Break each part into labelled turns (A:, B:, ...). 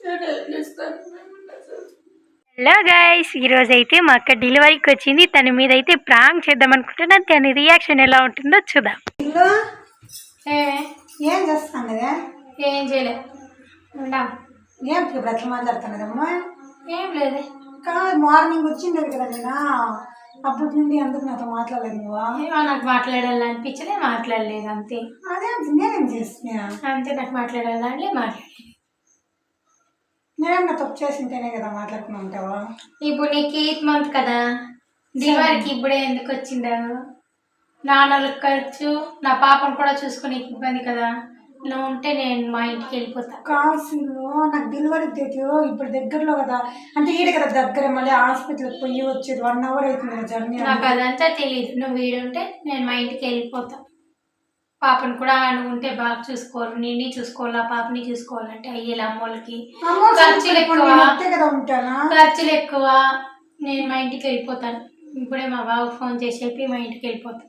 A: Hello guys, ఈరోజు అయితే మా అక్క డెలివరీకి వచ్చింది. తన మీద అయితే ప్రాంక్ చేద్దాం అనుకుంటున్నాను. తన రియాక్షన్ ఎలా ఉంటుందో చూద్దాం.
B: ఏం చేస్తాను
A: ఏం చేయలేదు.
B: ఏం ఇప్పుడు అట్లా మాట్లాడుతున్నదమ్మా?
A: ఏం లేదు.
B: కాదు, మార్నింగ్ వచ్చిండేది కదా నేను. అప్పటి నుండి ఎందుకు నాతో మాట్లాడలేదు నువ్వు?
A: నాకు మాట్లాడాలనిపించలే, మాట్లాడలేదు అంతే.
B: అదే నేనేం చేస్తున్నా
A: అంతే, నాకు మాట్లాడాలని మాట్లాడలేదు.
B: నేనేమన్నా తప్పు చేసింటేనే కదా మాట్లాడుకుని ఉంటావా?
A: ఇప్పుడు నీకు 8th మంత్ కదా, డెలివరీకి ఇప్పుడే ఎందుకు వచ్చిండావు? నాన్నలకు ఖర్చు, నా పాపను కూడా చూసుకునే ఇబ్బంది కదా. నువ్వు ఉంటే నేను మా ఇంటికి వెళ్ళిపోతా.
B: కాసులు నాకు డెలివరీ డేట్ ఇప్పుడు దగ్గరలో కదా, అంటే ఈడ కదా దగ్గర, మళ్ళీ హాస్పిటల్కి పోయి వచ్చేది 1 hour అవుతుంది కదా జర్నీ.
A: నాకు అదంతా తెలియదు. నువ్వు వీడుంటే నేను మా ఇంటికి వెళ్ళిపోతా. పాపను కూడా నువ్వు ఉంటే బాగా చూసుకోవాలి, నిన్ను చూసుకోవాలా, పాపని చూసుకోవాలంటే అయ్యేలా అమ్మోళ్ళకి ఖర్చులు ఎక్కువ. నేను మా ఇంటికి వెళ్ళిపోతాను. ఇప్పుడే మా బాబు ఫోన్ చేసి చెప్పి మా ఇంటికి వెళ్ళిపోతాను.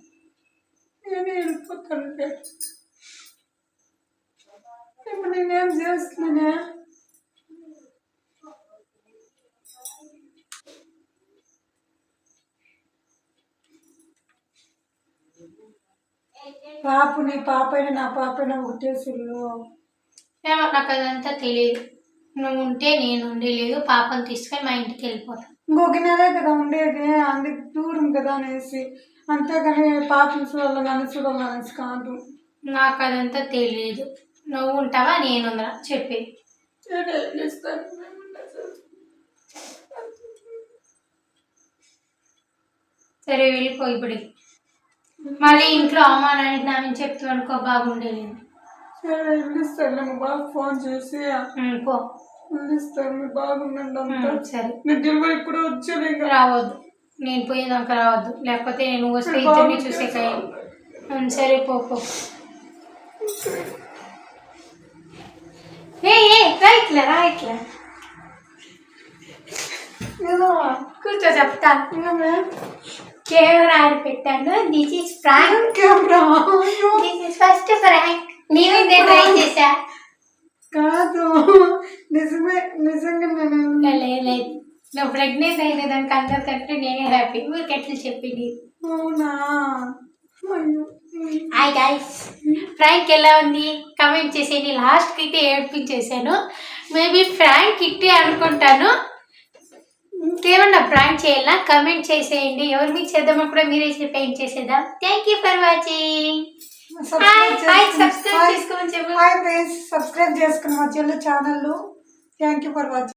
B: నేనేం చేస్తున్నా? పాపని పాపైనా నా పాపైనా ఒకటే సుళ్ళు.
A: ఏమో నాకు అదంతా తెలియదు. నువ్వు ఉంటే నేను ఉండలేదు. పాపను తీసుకొని మా ఇంటికి వెళ్ళిపోతాను.
B: ఇంకొక నెలే కదా ఉండేది, అందుకు దూరం కదా అనేసి. అంతేగాని పాపను చూడాలి, నన్ను చూడాలి అనేసి కాదు.
A: నాకు అదంతా తెలియదు. నువ్వు ఉంటావా నేను ఉందా చెప్పి. సరే వెళ్ళిపో ఇప్పుడు. మళ్ళీ ఇంట్లో అమ్మ నాన్నకి నా నుంచి చెప్తూ అనుకో, బాగుండేది.
B: సరే వెళ్ళిస్తాను, మా బాబు ఫోన్ చేసి
A: పో
B: వెళ్ళిస్తాను. మీ బాగుండండి అంతా.
A: సరే,
B: నేను డెలివరీ కూడా వచ్చాను. ఇంకా
A: రావద్దు, నేను పోయేదాకా రావద్దు, లేకపోతే నేను వస్తే ఇద్దరిని చూసే కాయ. సరే పో. రా కూర్చో, చెప్తా. కెమెరా ఆడి పెట్టాను. This is prank. This is first prank. నేను ఇదే ట్రై చేశా.
B: కాదు, నిజంగా
A: లేదు. నువ్వు ప్రెగ్నెంట్ అయిన దానికి అందరికంటే నేనే హ్యాపీ. ఊరికెట్లు చెప్పింది.
B: అవునా?
A: హాయ్ గైస్, ఫ్రాంక్ ఎలా ఉంది కమెంట్ చేసేయండి. లాస్ట్కి అయితే ఏడ్పించేసాను. మేబీ ఫ్రాంక్ ఇట్టే అనుకుంటాను. ఇంకేమన్నా ప్రాంక్ చేయాలా కమెంట్ చేసేయండి. ఎవరు మీకు చేద్దామో కూడా మీరే పెయింట్ చేసేద్దాం. Thank you for watching. Subscribe చేసుకోమని చెప్పు.
B: సబ్స్క్రైబ్ చేసుకుని మా చెల్లి channel. Thank you for watching.